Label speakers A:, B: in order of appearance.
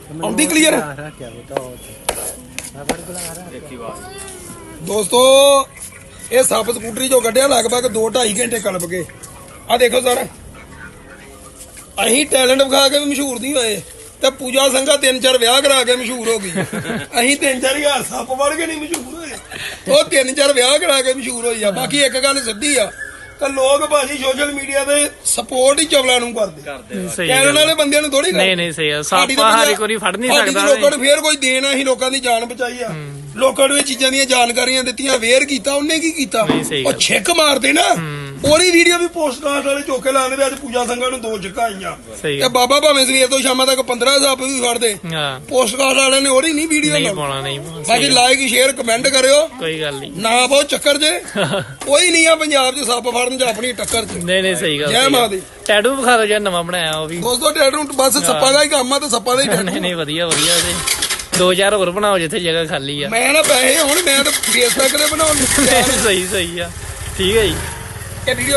A: ਆਉਂਦੀ ਕਲੀਅਰ ਦੋਸਤੋ ਇਹ ਸੱਪ ਸਕੂਟਰੀ ਚੋਂ ਕੱਢਿਆ ਲਗਭਗ 2-2.5 ਘੰਟੇ ਕਲਪ ਕੇ ਆ ਦੇਖੋ ਸਰ ਅਸੀਂ ਟੈਲੈਂਟ ਵਿਖਾ ਕੇ ਵੀ ਮਸ਼ਹੂਰ ਨਹੀਂ ਹੋਏ ਤੇ ਪੂਜਾ ਸੰਘਾ 3-4 ਵਿਆਹ ਕਰਾ ਕੇ ਮਸ਼ਹੂਰ ਹੋ ਗਈ ਅਸੀਂ 3-4 ਹਜ਼ਾਰ ਸੱਪ ਵੜ ਕੇ ਨਹੀਂ ਮਸ਼ਹੂਰ ਹੋਏ ਉਹ 3-4 ਵਿਆਹ ਕਰਾ ਕੇ ਮਸ਼ਹੂਰ ਹੋਈ ਆ ਬਾਕੀ ਇੱਕ ਗੱਲ ਸਿੱਧੀ ਆ ਤਾਂ ਲੋਕ ਭਾਜੀ ਸੋਸ਼ਲ ਮੀਡੀਆ ਤੇ ਸਪੋਰਟ ਹੀ ਚਵਲਾਂ ਨੂੰ ਕਰਦੇ ਕਹਿਣ ਵਾਲੇ ਬੰਦਿਆਂ ਨੂੰ ਥੋੜੀ
B: ਨਹੀਂ ਸਹੀ ਆ ਸਾਪਾ ਹਰ ਇੱਕ ਵਾਰੀ ਫੜ ਨਹੀਂ ਸਕਦਾ
A: ਲੋਕਾਂ ਨੂੰ ਫੇਰ ਕੋਈ ਦੇਣ ਅਸੀਂ ਲੋਕਾਂ ਦੀ ਜਾਨ ਬਚਾਈ ਆ ਲੋਕਾਂ ਨੂੰ ਇਹ ਚੀਜ਼ਾਂ ਦੀਆਂ ਜਾਣਕਾਰੀਆਂ ਦਿੱਤੀਆਂ ਅਵੇਅਰ ਕੀਤਾ ਉਹਨੇ ਕੀ ਕੀਤਾ ਉਹ ਛਿੱਕ ਮਾਰਦੇ ਨਾ ਉਹਦੀ ਵੀਡੀਓ ਵੀ ਪੋਸਟ ਕਾਸਟ ਵਾਲੇ ਚੋਕੇ ਲਾਉਂਦੇ ਵੀ ਅੱਜ ਪੂਜਾ ਸੰਘਾ ਨੂੰ 2 ਛਿੱਕਾਂ ਆਈਆਂ ਤੇ ਬਾਬਾ ਭਾਵੇਂ ਸਵੇਰ ਤੋਂ ਸ਼ਾਮਾਂ ਤੱਕ 15 ਸੱਪ ਵੀ ਫੜਦੇ ਪੋਸਟ ਕਾਸਟ ਵਾਲਿਆਂ ਨੇ ਉਹਦੀ ਨਹੀਂ ਵੀਡੀਓ ਬਾਕੀ ਲਾਈਕ ਸ਼ੇਅਰ ਕਮੈਂਟ ਕਰਿਓ
B: ਕੋਈ ਗੱਲ ਨਹੀਂ
A: ਨਾ ਬਹੁਤ ਚੱਕਰ ਜੇ ਕੋਈ ਨਹੀਂ ਆ ਪੰਜਾਬ 'ਚ ਸੱਪ ਫੜਨ 'ਚ ਆਪਣੀ ਟੱਕਰ 'ਚ
B: ਨਹੀਂ ਸਹੀ ਗੱਲ
A: ਜੈ ਮਾਂ ਦੀ
B: ਟੈਟੂ ਵਿਖਾ ਦਿਓ ਜਿਹੜਾ ਨਵਾਂ ਬਣਾਇਆ ਉਹ ਵੀ
A: ਦੋਸਤੋ ਟੈਟੂ ਬਸ ਸੱਪਾਂ ਦਾ ਹੀ ਕੰਮ ਆ ਤੇ ਸੱਪਾਂ ਦਾ ਹੀ ਟੈਟੂ
B: ਨਹੀਂ ਵਧੀਆ ਤੇ 2000 ਹੋਰ ਬਣਾਓ ਜਿੱਥੇ ਜਗ੍ਹਾ ਖਾਲੀ ਆ
A: ਮੈਂ ਨਾ ਪੈਸੇ ਹੁਣ ਮੈਂ ਤਾਂ ਫੇਸਬੁੱਕ ਤੇ ਬਣਾਉਣ
B: ਸਹੀ ਆ ਠੀਕ ਹੈ ਜੀ
A: ਇਹ ਵੀਡੀਓ